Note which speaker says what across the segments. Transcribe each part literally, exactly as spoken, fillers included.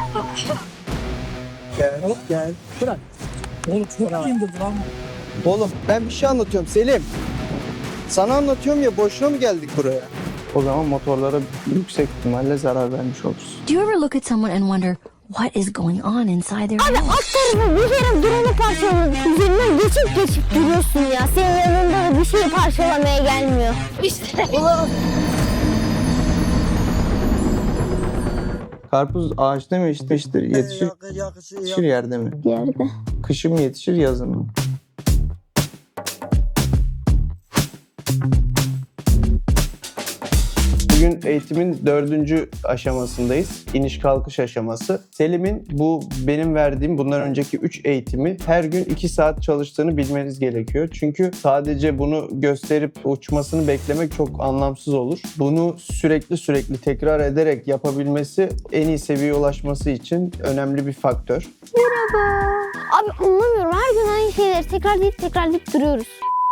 Speaker 1: Gel, gel.
Speaker 2: Bırak. Oğlum çok indirdi lan.
Speaker 1: Oğlum ben bir şey anlatıyorum Selim. Sana anlatıyorum ya, boşuna mı geldik buraya? O zaman motorlara yüksek ihtimalle zarar vermiş oluruz.
Speaker 3: Do you ever look at someone and wonder what is going on inside their
Speaker 4: Abi
Speaker 3: head?
Speaker 4: alt tarafı bir kere drone'u parçaladık. Üzerinden geçip geçip duruyorsun ya. Senin yanında da bir şeyi parçalamaya gelmiyor. İşte. Ulan.
Speaker 1: Karpuz ağaçta mı yetiştir? Yetişir, yetişir yerde mi?
Speaker 4: Yerde.
Speaker 1: Kışın mı yetişir, yazın mı? Bugün eğitimin dördüncü aşamasındayız. İniş kalkış aşaması. Selim'in bu benim verdiğim bundan önceki üç eğitimi her gün iki saat çalıştığını bilmeniz gerekiyor. Çünkü sadece bunu gösterip uçmasını beklemek çok anlamsız olur. Bunu sürekli sürekli tekrar ederek yapabilmesi en iyi seviyeye ulaşması için önemli bir faktör.
Speaker 4: Merhaba. Abi anlamıyorum. Her gün aynı şeyleri tekrarlayıp tekrarlayıp duruyoruz.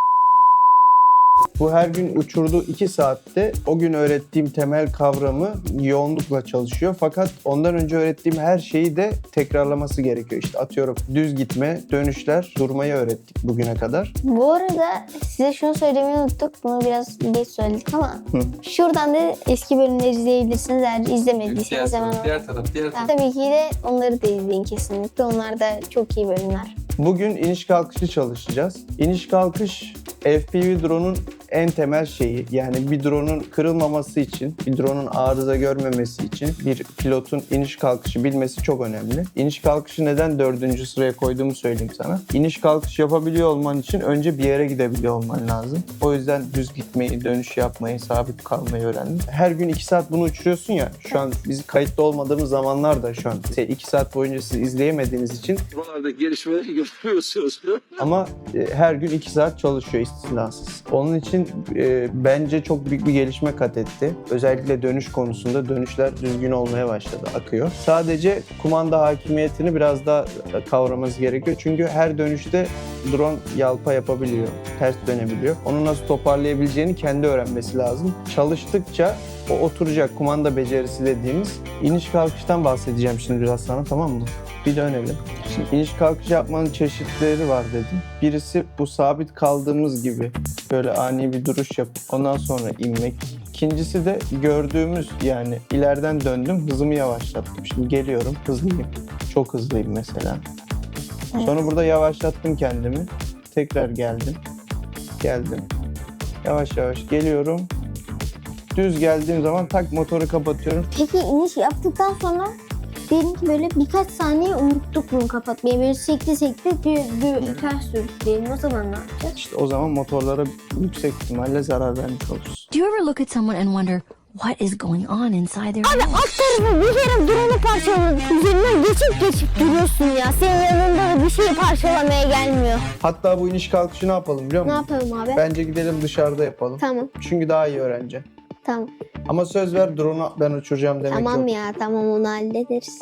Speaker 1: Bu her gün uçurduğu iki saatte o gün öğrettiğim temel kavramı yoğunlukla çalışıyor. Fakat ondan önce öğrettiğim her şeyi de tekrarlaması gerekiyor. İşte atıyorum düz gitme, dönüşler, durmayı öğrettik bugüne kadar.
Speaker 4: Bu arada size şunu söylemeyi unuttuk. Bunu biraz geç söyledik ama
Speaker 1: Hı.
Speaker 4: şuradan da eski bölümleri izleyebilirsiniz. Eğer izlemediyseniz hemen.
Speaker 5: Diğer taraf, diğer taraf.
Speaker 4: Tabii ki de onları da izleyin kesinlikle. Onlar da çok iyi bölümler.
Speaker 1: Bugün iniş kalkışı çalışacağız. İniş kalkış F P V drone'un en temel şeyi. Yani bir drone'un kırılmaması için, bir drone'un arıza görmemesi için bir pilotun iniş kalkışı bilmesi çok önemli. İniş kalkışı neden dördüncü sıraya koyduğumu söyleyeyim sana. İniş kalkış yapabiliyor olman için önce bir yere gidebiliyor olman lazım. O yüzden düz gitmeyi, dönüş yapmayı, sabit kalmayı öğrendim. Her gün iki saat bunu uçuruyorsun ya. Şu an biz kayıtlı olmadığımız zamanlar da şu an iki saat boyunca siz izleyemediğiniz için
Speaker 5: Buralardaki gelişmeleri görüyorsunuz.
Speaker 1: ama e, her gün iki saat çalışıyor istisnasız. Onun için e, bence çok büyük bir gelişme kat etti. Özellikle dönüş konusunda dönüşler düzgün olmaya başladı, akıyor. Sadece kumanda hakimiyetini biraz daha kavraması gerekiyor. Çünkü her dönüşte drone yalpa yapabiliyor, ters dönebiliyor. Onu nasıl toparlayabileceğini kendi öğrenmesi lazım. Çalıştıkça o oturacak, kumanda becerisi dediğimiz. İniş kalkıştan bahsedeceğim şimdi biraz sana, tamam mı? Bir dönelim. Şimdi iniş kalkış yapmanın çeşitleri var dedim. Birisi bu sabit kaldığımız gibi böyle ani bir duruş yapıp ondan sonra inmek. İkincisi de gördüğümüz, yani ileriden döndüm, hızımı yavaşlattım. Şimdi geliyorum, hızlıyım. Çok hızlıyım mesela. Sonra burada yavaşlattım kendimi. Tekrar geldim. Geldim. Yavaş yavaş geliyorum. Düz geldiğim zaman tak motoru kapatıyorum.
Speaker 4: Peki iniş yaptıktan sonra diyelim ki böyle birkaç saniye unuttuk bunu kapatmayı. Böyle sekti sekti bir, bir ters sürdük diyelim. O zaman ne yapacağız?
Speaker 1: İşte o zaman motorlara yüksek ihtimalle zarar vermiş oluruz.
Speaker 3: Do you ever look at someone and wonder what is going on inside their
Speaker 4: Abi
Speaker 3: head?
Speaker 4: alt tarafı bir kere drone'u parçaladık. Üzerinden geçip geçip duruyorsun ya. Senin yanında da bir şeyi parçalamaya gelmiyor.
Speaker 1: Hatta bu iniş kalkışı ne yapalım biliyor
Speaker 4: Ne
Speaker 1: musun?
Speaker 4: yapalım abi?
Speaker 1: Bence gidelim dışarıda yapalım.
Speaker 4: Tamam,
Speaker 1: Çünkü daha iyi öğreneceğim.
Speaker 4: tamam.
Speaker 1: Ama söz ver, drone'u ben uçuracağım demek
Speaker 4: Tamam
Speaker 1: yok.
Speaker 4: ya, tamam onu hallederiz.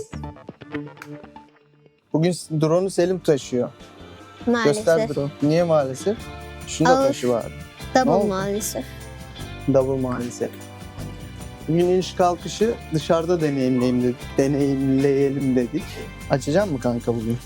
Speaker 1: Bugün drone'u Selim taşıyor.
Speaker 4: Maalesef.
Speaker 1: Göster drone. Niye maalesef? Şunu da
Speaker 4: Al.
Speaker 1: taşı var.
Speaker 4: Double
Speaker 1: Ne oldu?
Speaker 4: maalesef.
Speaker 1: Double maalesef. Bugün iniş kalkışı dışarıda deneyimleyelim dedik. Deneyimleyelim dedik. Açacak mı kanka bugün?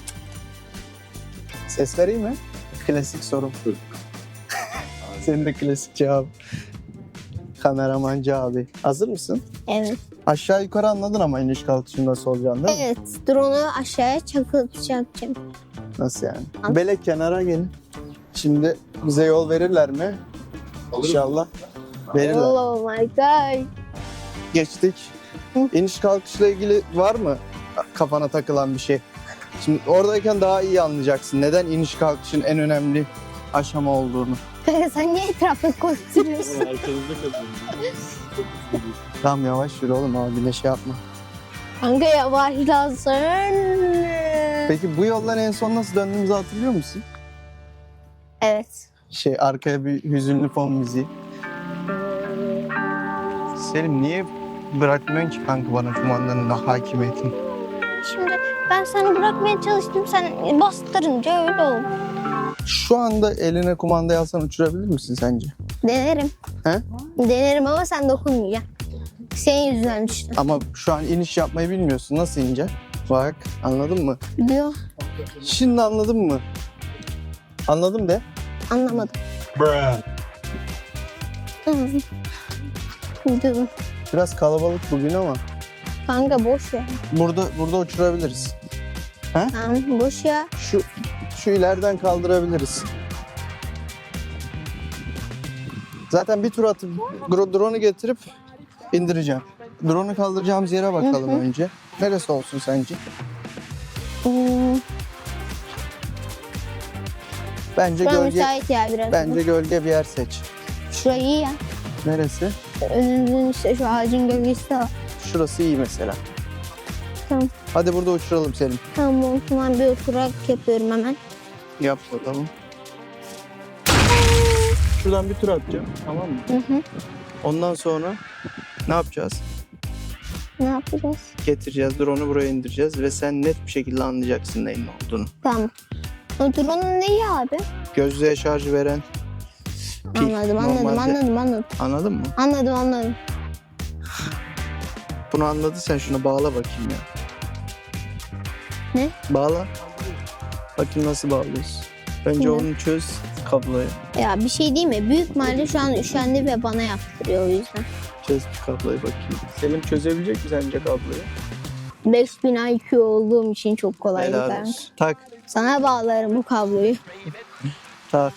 Speaker 1: Ses vereyim mi? Klasik sorum. Senin de klasik cevap. Kameramancı abi. Hazır mısın?
Speaker 4: Evet.
Speaker 1: Aşağı yukarı anladın ama iniş kalkışın nasıl olacağını değil mi?
Speaker 4: Evet, drone'u aşağıya çakılacağım.
Speaker 1: Nasıl yani?
Speaker 4: Anladım.
Speaker 1: Belek kenara gelin. Şimdi bize yol verirler mi? İnşallah. Verirler.
Speaker 4: Oh my god.
Speaker 1: Geçtik.
Speaker 4: Hı.
Speaker 1: İniş kalkışla ilgili var mı kafana takılan bir şey? Şimdi oradayken daha iyi anlayacaksın neden iniş kalkışın en önemli aşama olduğunu.
Speaker 4: Sen niye etrafı koşturuyorsun?
Speaker 5: Arkanızda kazanıyor.
Speaker 1: Tamam yavaş yürü oğlum, abine şey yapma.
Speaker 4: Kanka yavaşlasın.
Speaker 1: Peki bu yoldan en son nasıl döndüğümüzü hatırlıyor musun?
Speaker 4: Evet.
Speaker 1: Şey, arkaya bir hüzünlü fon müziği. Selim niye bırakmıyorsun ki kanka bana kumandanın da hakimiyetini?
Speaker 4: Şimdi ben seni bırakmaya çalıştım. Sen bastırınca öyle oldu.
Speaker 1: Şu anda eline kumandayı alsan uçurabilir misin sence?
Speaker 4: Denerim.
Speaker 1: He?
Speaker 4: Denerim ama sen dokunmayacaksın. Senin yüzünden düştü.
Speaker 1: Ama şu an iniş yapmayı bilmiyorsun. Nasıl ineceksin? Bak anladın mı?
Speaker 4: Diyor.
Speaker 1: Şimdi anladın mı? Anladım de.
Speaker 4: Anlamadım. Diyorum.
Speaker 1: Biraz kalabalık bugün ama
Speaker 4: Kanka boş ya.
Speaker 1: burada burada uçurabiliriz.
Speaker 4: Tamam boş ya.
Speaker 1: Şu şu ileriden kaldırabiliriz. Zaten bir tur atıp dro- drone'u getirip indireceğim. Drone'u kaldıracağımız yere bakalım
Speaker 4: Hı hı.
Speaker 1: önce. Neresi olsun sence?
Speaker 4: Hmm,
Speaker 1: Bence
Speaker 4: Şuraya
Speaker 1: gölge
Speaker 4: müsait ya biraz.
Speaker 1: bence gölge bir yer seç.
Speaker 4: Şurayı iyi ya.
Speaker 1: Neresi?
Speaker 4: Önümüzün işte şu ağacın gölgesi de var.
Speaker 1: Şurası iyi mesela.
Speaker 4: Tamam.
Speaker 1: Hadi burada uçuralım Selim.
Speaker 4: Tamam o zaman bir oturak yapıyorum hemen.
Speaker 1: Yap bakalım. Şuradan bir tur atacağım. Tamam mı?
Speaker 4: Hı hı.
Speaker 1: Ondan sonra ne yapacağız?
Speaker 4: Ne yapacağız?
Speaker 1: Getireceğiz, drone'u buraya indireceğiz ve sen net bir şekilde anlayacaksın neyin ne olduğunu.
Speaker 4: Tamam. O drone'un neyi abi?
Speaker 1: Gözlüğe şarj veren pil.
Speaker 4: Anladım anladım
Speaker 1: Normalde-
Speaker 4: anladım anladım.
Speaker 1: Anladın mı?
Speaker 4: Anladım anladım.
Speaker 1: Bunu anladıysan şunu bağla bakayım ya.
Speaker 4: Ne?
Speaker 1: Bağla. Bakayım nasıl bağlıyorsun. Bence
Speaker 4: Ne?
Speaker 1: onu çöz kabloyu.
Speaker 4: Ya bir şey değil mi? Büyük mahalle şu an üşendi ve bana yaptırıyor o yüzden.
Speaker 1: Çöz bir kabloyu bakayım. Selim çözebilecek mi sence kabloyu?
Speaker 4: beş bin I Q olduğum için çok kolay
Speaker 1: Helal
Speaker 4: kanka.
Speaker 1: olsun. Tak,
Speaker 4: Sana bağlarım bu kabloyu.
Speaker 1: tak,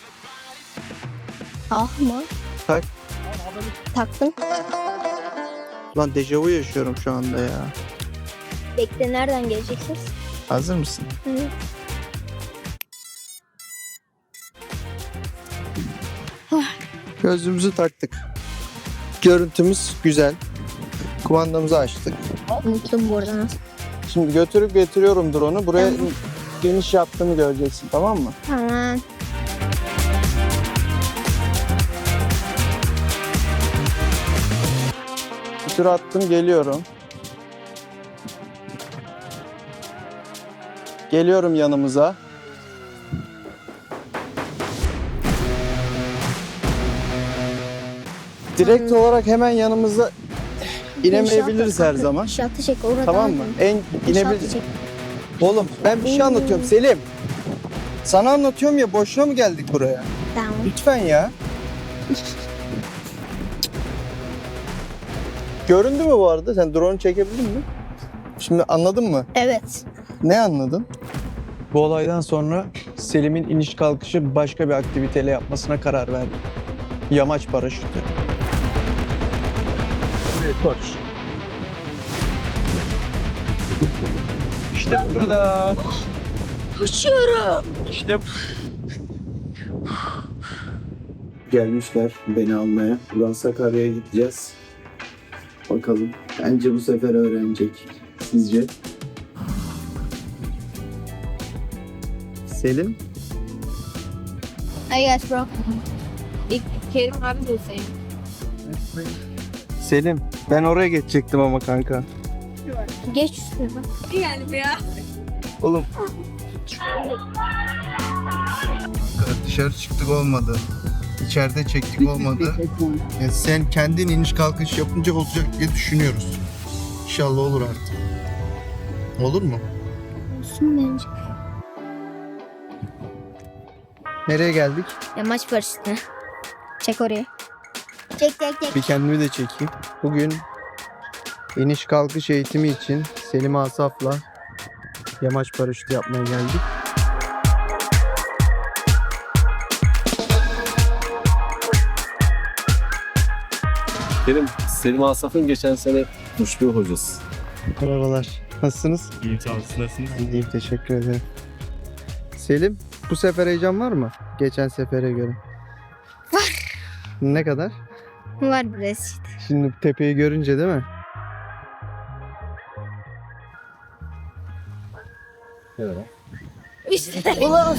Speaker 4: Ah mı?
Speaker 1: tak.
Speaker 4: Taktım.
Speaker 1: Lan dejavu yaşıyorum şu anda ya.
Speaker 4: Bekle nereden geleceksiniz?
Speaker 1: Hazır mısın?
Speaker 4: Hı.
Speaker 1: Gözlüğümüzü taktık. Görüntümüz güzel. Kumandamızı açtık.
Speaker 4: Unuttum bu arada nasıl.
Speaker 1: Şimdi götürüp getiriyorum drone'u. Buraya
Speaker 4: Tamam.
Speaker 1: geniş yaptığımı göreceksin, tamam mı?
Speaker 4: Tamam.
Speaker 1: Bir tur attım, geliyorum. Geliyorum yanımıza. Direkt olarak hemen yanımıza inemeyebiliriz her zaman.
Speaker 4: İnşaatı çek orada.
Speaker 1: Tamam mı? En
Speaker 4: İnşaatı
Speaker 1: inebilir.
Speaker 4: çek.
Speaker 1: Oğlum ben bir şey anlatıyorum Selim. Sana anlatıyorum ya, boşuna mı geldik buraya?
Speaker 4: Tamam.
Speaker 1: Lütfen ya. Göründü mü bu arada? Sen drone çekebildin mi? Şimdi anladın mı?
Speaker 4: Evet.
Speaker 1: Ne anladın? Bu olaydan sonra Selim'in iniş kalkışı başka bir aktiviteyle yapmasına karar verdim. Yamaç paraşütü. Evet, koş. İşte burada.
Speaker 4: Uçuyorum.
Speaker 1: İşte gelmişler beni almaya. Buradan Sakarya'ya gideceğiz. Bakalım. Bence bu sefer öğrenecek. Sizce? Selim?
Speaker 4: I guess bro.
Speaker 6: İlk Kerim abi de sayın.
Speaker 1: Selim. Ben oraya geçecektim ama kanka.
Speaker 4: Geç üstüne bak.
Speaker 6: Yani ya.
Speaker 1: Oğlum. Dışarı çıktık olmadı. İçeride çektik olmadı. Ya sen kendin iniş kalkış yapınca olacak diye düşünüyoruz. İnşallah olur artık. Olur mu?
Speaker 4: Olsun bence.
Speaker 1: Nereye geldik?
Speaker 4: Yamaç paraşütüne. Çek oraya. Çek çek çek.
Speaker 1: Bir kendimi de çekeyim. Bugün iniş kalkış eğitimi için Selim Asaf'la yamaç paraşütü yapmaya geldik.
Speaker 5: Kerim, Selim Asaf'ın geçen sene uçtuğu hocası.
Speaker 1: Merhabalar. Nasılsınız?
Speaker 7: İyi sağ olun. Nasılsınız?
Speaker 1: İyiyim, teşekkür ederim. Selim, bu sefer heyecan var mı? Geçen sefere göre.
Speaker 4: Var.
Speaker 1: Ne kadar?
Speaker 4: Var biraz işte.
Speaker 1: Şimdi tepeyi görünce değil mi?
Speaker 4: İşte. Ulan.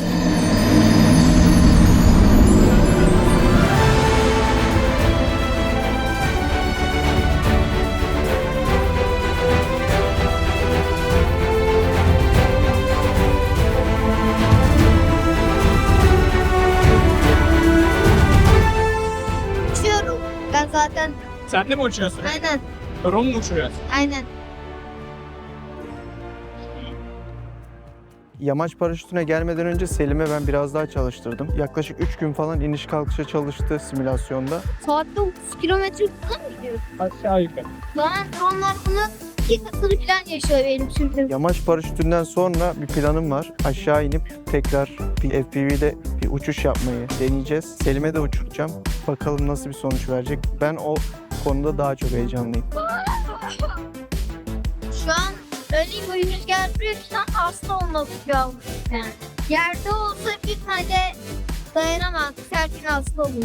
Speaker 4: Uçuyorum. Ben zaten
Speaker 2: Sen de mi uçuyorsun?
Speaker 4: aynen
Speaker 2: Drone mu uçuyorsun?
Speaker 4: aynen.
Speaker 1: Yamaç paraşütüne gelmeden önce Selim'e ben biraz daha çalıştırdım. Yaklaşık üç gün falan iniş kalkışa çalıştı simülasyonda.
Speaker 4: Saatte otuz kilometre falan mı gidiyor?
Speaker 2: Aşağı yukarı.
Speaker 4: Bana dronlar bunu iki katını falan yaşıyor benim sürdüğüm.
Speaker 1: Yamaç paraşütünden sonra bir planım var. Aşağı inip tekrar bir F P V'de bir uçuş yapmayı deneyeceğiz. Selim'e de uçuracağım. Bakalım nasıl bir sonuç verecek. Ben o konuda daha çok heyecanlıyım.
Speaker 4: Şu an öyle bir rüzgar vuruyor ki sen hasta olmak üzere yani. Yerde olsa bir tane dayanamaz. Her gün hasta olur.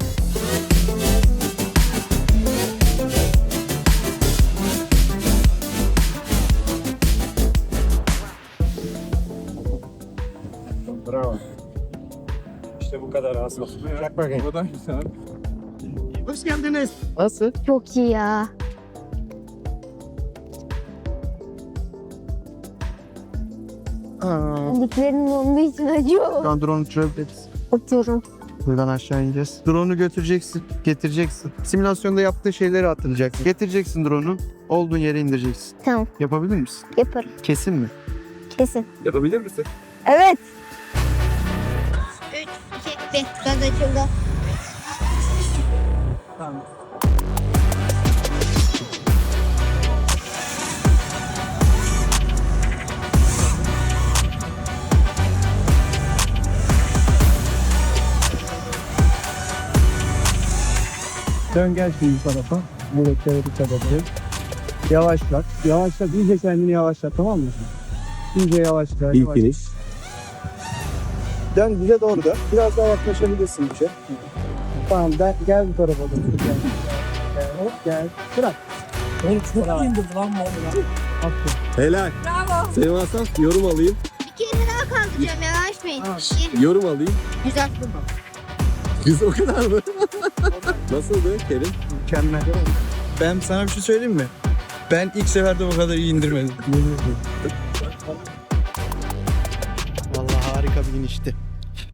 Speaker 2: Bravo. İşte bu kadar az. Çak bakayım. Bu da güzel.
Speaker 1: Hoş geldiniz. Nasıl?
Speaker 4: Çok iyi ya.
Speaker 1: Aa,
Speaker 4: Diklerin olduğu için acıyor.
Speaker 1: şu an drone uçurabiliriz.
Speaker 4: Atıyorum.
Speaker 1: Buradan aşağı ineceğiz. Drone'u götüreceksin, getireceksin. Simülasyonda yaptığın şeyleri hatırlayacaksın. Getireceksin drone'u, olduğun yere indireceksin.
Speaker 4: Tamam,
Speaker 1: Yapabilir misin?
Speaker 4: yaparım.
Speaker 1: Kesin mi?
Speaker 4: Kesin.
Speaker 5: Yapabilir misin?
Speaker 4: Evet. üç, iki, bir. Gaz açıldı.
Speaker 2: Tamam. Dön gel şimdi bu tarafa. Bu rektörü dikkat edelim. Yavaşlat. Yavaşlat. İyice kendini yavaşlat, tamam mı? İyice yavaşla.
Speaker 5: İlk
Speaker 2: yavaş.
Speaker 5: iniş.
Speaker 2: Dön bize doğru da. Biraz daha yaklaşabilirsin bize. Tamam gel, gel bu tarafa doğru. Gel. Gel. Hop gel. Bırak. Oğlum çok indirdi lan bu arada. Aferin.
Speaker 5: Helal.
Speaker 6: Bravo.
Speaker 5: Selim Asaf yorum alayım.
Speaker 4: Bir kere daha kaldıracağım. Yavaşmayın.
Speaker 2: Tamam.
Speaker 4: Bir.
Speaker 5: Yorum alayım.
Speaker 4: Güzel.
Speaker 5: Biz o kadar mı? Nasıldı Kerim?
Speaker 7: Mükemmel. Ben sana bir şey söyleyeyim mi? Ben ilk seferde bu kadar iyi indirmedim.
Speaker 1: Vallahi harika bir inişti.